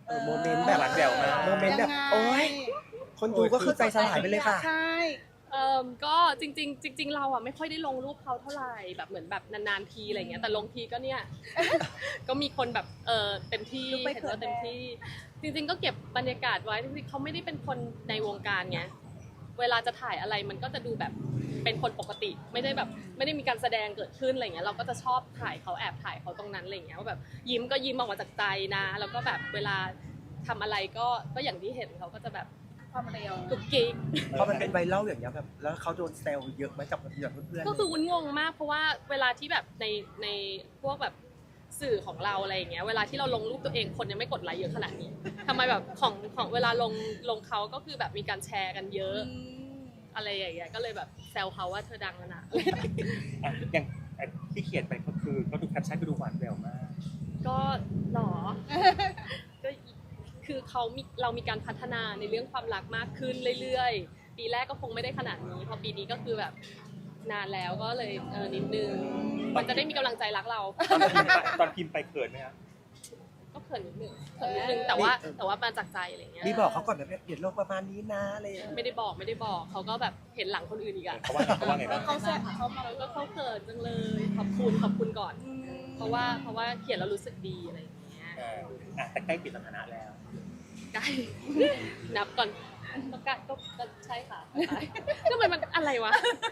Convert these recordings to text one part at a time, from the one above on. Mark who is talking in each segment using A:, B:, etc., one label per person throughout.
A: โมเมนต์แบบ
B: หวานแหววมาก
A: โมเมนต์แบบโอ๊ยคนดูก็คือใจสลายไปเลยค่ะ
C: ใช่
D: ก็จริงๆเราอ่ะไม่ค่อยได้ลงรูปเขาเท่าไหร่แบบเหมือนแบบนานๆทีอะไรเงี้ยแต่ลงทีก็เนี่ย ก็มีคนแบบเต็มที่เห็นว่าเต็มที่จริงๆก็เก็บบรรยากาศไว้จริงๆเขาไม่ได้เป็นคนในวงการไงเวลาจะถ่ายอะไรมันก็จะดูแบบเป็นคนปกติไม่ได้แบบไม่ได้มีการแสดงเกิดขึ้นอะไรเงี้ยเราก็จะชอบถ่ายเขาแอบถ่ายเขาตรงนั้นอะไรเงี้ยว่าแบบยิ้มก็ยิ้มออกมาจากใจนะแล้วก็แบบเวลาทำอะไรก็อย่างที่เห็นเขาก็จะแบบ
C: ความเร็ว
D: กุ๊กกิ๊ก
A: พอมันเป็นไวรัลอย่างเงี้ยแบบแล้วเขาโดนแซวเยอะไหมกับเพื่อนๆ
D: ก็คือวุ้นงงมากเพราะว่าเวลาที่แบบในพวกแบบสื่อของเราอะไรอย่างเงี้ยเวลาที่เราลงรูปตัวเองคนยังไม่กดไลค์เยอะขนาดนี้ทำไมแบบของเวลาลงเขาก็คือแบบมีการแชร์กันเยอะอะไรอย่างเงี้ยก็เลยแบบแซวเขาว่าเธอดังแล้วนะ
B: อย่างที่เขียนไปก็คือก็ดูแคปชั่นก็ดูหวานแหววมาก
D: ก็หรอ ก็คือเรามีการพัฒนาในเรื่องความรักมากขึ้นเรื่อยๆปีแรกก็คงไม่ได้ขนาดนี้พอปีนี้ก็คือแบบนานแล้วก็เลยนิดนึงมันจะได้มีกำลังใจรักเรา
B: ตอนพิมพ์ไปเขินไหมครับ
D: ก็เขินนิดนึงแต่ว่ามาจากใจอะไรเงี้ย
A: นี่บอกเขาก่อนแบบเปลี่ยนโลกประมาณนี้นะอะไรอย่างเงี้ย
D: ไม่ได้บอกเขาก็แบบเห็นหลังคนอื่นอีกอะ
B: เขาว่าไงบ้าง
C: เขาแซ่บเขามา
D: ก็เขาเขินจังเลยขอบคุณก่อน เพราะว่าเขียนแล้วรู้สึกดีอะไรอย่างเงี้ย
B: แต่ใกล้ปิดสถานะแล้ว
D: ใกล้ นับก่อนก็ใกล้ก็ใช่ค่ะทำไมมันอะไรวะ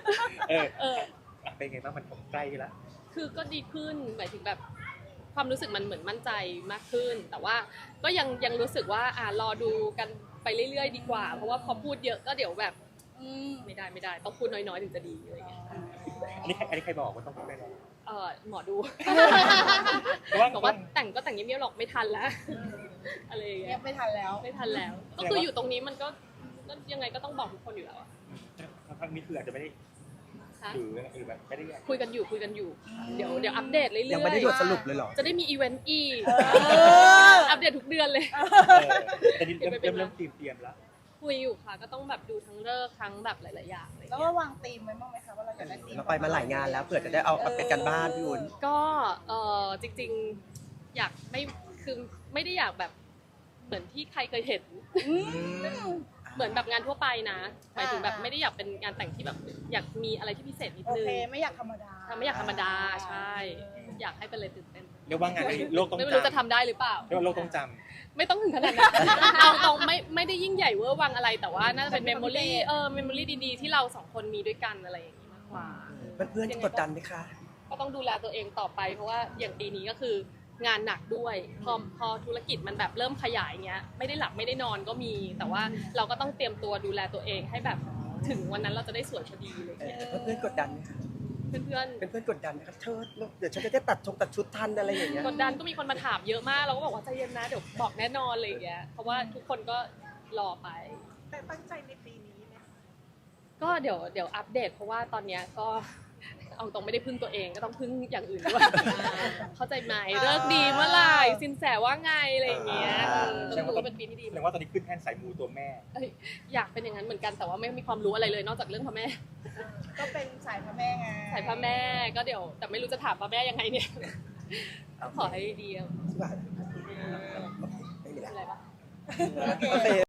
B: เป็นไงบ้างมันใกล้แล้ว
D: คือก็ดีขึ้นหมายถึงแบบความรู้สึกมันเหมือนมั่นใจมากขึ้น แต่ว่าก็ยังรู้สึกว่ารอดูกันไปเรื่อยๆดีกว่า เพราะว่าพอพูดเยอะก็เดี๋ยวแบบไม่ได้ต้องพูดน้อยๆถึงจะดีอะไรอย่างเงี้ย
B: อันนี้ใครบอกว่าต้องพูดได้แล้ว
D: หมอดู
B: เพราะว่า
D: บอกว่าแต่งก็แต่งเงียบๆหรอกไม่ทันแล้วอะไรอย่าง
C: เงี
D: เงี้
C: ย
D: ย
C: บไม่ทันแล้ว
D: ไม่ทันแล้ว ก็คืออยู่ตรงนี้มันก็ยังไงก็ต้องบอกทุกคนอยู่แล้วอะ
B: ครั้งนี้คืออาจจะไม่ได้
D: คะ
B: หรือแบบไม่ได้
D: คุยกันอยู่เดี๋ยวอัปเดตเรื่อยๆ
A: ยังไม่ได้บทสรุปเลยเหรอ
D: จะได้มีอีเวนต์อีกอัปเดตทุกเดือนเลย
B: แต่นี่เริ่มเตรียมแล้ว
D: คุยอยู่ค่ะก็ต้องแบบดูทั้งเลิกษ์ทั้งแบบหลายๆอย่างอะไรอย่าง
C: แล้ว
D: เงี้
C: ก็
D: ยว
C: างธีมไว้บ้างไหมคะว่าเราอยากได้ธีม
A: เราไปมาหลายงานแล้วเผื่อจะได้เอาเป็นกันบ้านพี่วุ้น
D: ก็จริงๆอยากคือไม่ได้อยากแบบเหมือนที่ใครเคยเห็น เหมือนแบบงานทั่วไปนะหมายถึงแบบไม่ได้อยากเป็นงานแต่งที่แบบอยากมีอะไรที่พิเศษนิด
C: โอ
D: นึง
C: เคไม่อยากธรรมดา
D: ไม่อยากธรรมดาใช่ อยากให้เป็นอะไรตื่นเต้น
B: เรียกว่างานนี้โลกต้อง
D: ไม่
B: จ
D: รู้จะทำได้หรือเปล่า
B: ำเรียกว่าโลกต้องจ
D: ไม่ต้องถึงขนาดนั้น เอาตรงไม่ได้ยิ่งใหญ่เวอร์วังอะไร แต่ว่าน่าจะเป็นเมมโมรี่เมมโมรี่ดีๆที่เราสองคนมีด้วยกันอะไรอย่างนี้มากกว่า
A: เพื่อนๆกดดันไหมคะ
D: ก็ต้องดูแลตัวเองต่อไป เพราะว่าอย่างปีนี้ก็คืองานหนักด้วยพอธุรกิจมันแบบเริ่มขยายเงี้ยไม่ได้หลับไม่ได้นอนก็มี แต่ว่าเราก็ต้องเตรียมตัวดูแลตัวเองให้แบบถึงวันนั้นเราจะได้สวยพอดีอะไรเลย
A: เพื่อนๆกดดันไหมคะ
D: เพื่อน
A: เป็นเพื่อนกดดันไหมคะเธอเดี๋ยวฉันจะได้ตัดชุดทันอะไรอย่างเงี้ย
D: ๆกดดันก็มีคนมาถามเยอะมากเราก็บอกว่าใจเย็นนะเดี๋ยวบอกแน่นอนอะไรอย่างเงี้ยเพราะว่าทุกคนก็รอไป
C: แต่ตั้งใจในปีนี้ไหม
D: ก็เดี๋ยวอัปเดตเพราะว่าตอนเนี้ยก็เอาตรงไม่ได้พึ่งตัวเองก็ต้องพึ่งอย่างอื่นด้วย เข้าใจไหมเลิกดีเมื่อไหร่สินแสว่าไงอะไรอย่างเงี้ยต้องดูว่าเป็นปีที่ดี
B: แสดงว่าตอนนี้ขึ้นแท่นสายมูตัวแม่
D: อยากเป็นอย่างนั้นเหมือนกันแต่ว่าไม่มีความรู้อะไรเลยนอกจากเรื่องพระแม่
C: ก็เป็นสายพระแม่ไง
D: สายพระแม่ก็เดี๋ยวแต่ไม่รู้จะถามพระแม่ยังไงเนี่ยขอให้ดีอะ
A: ไม่มีแล้ว
D: อะไรปะ
A: โอเค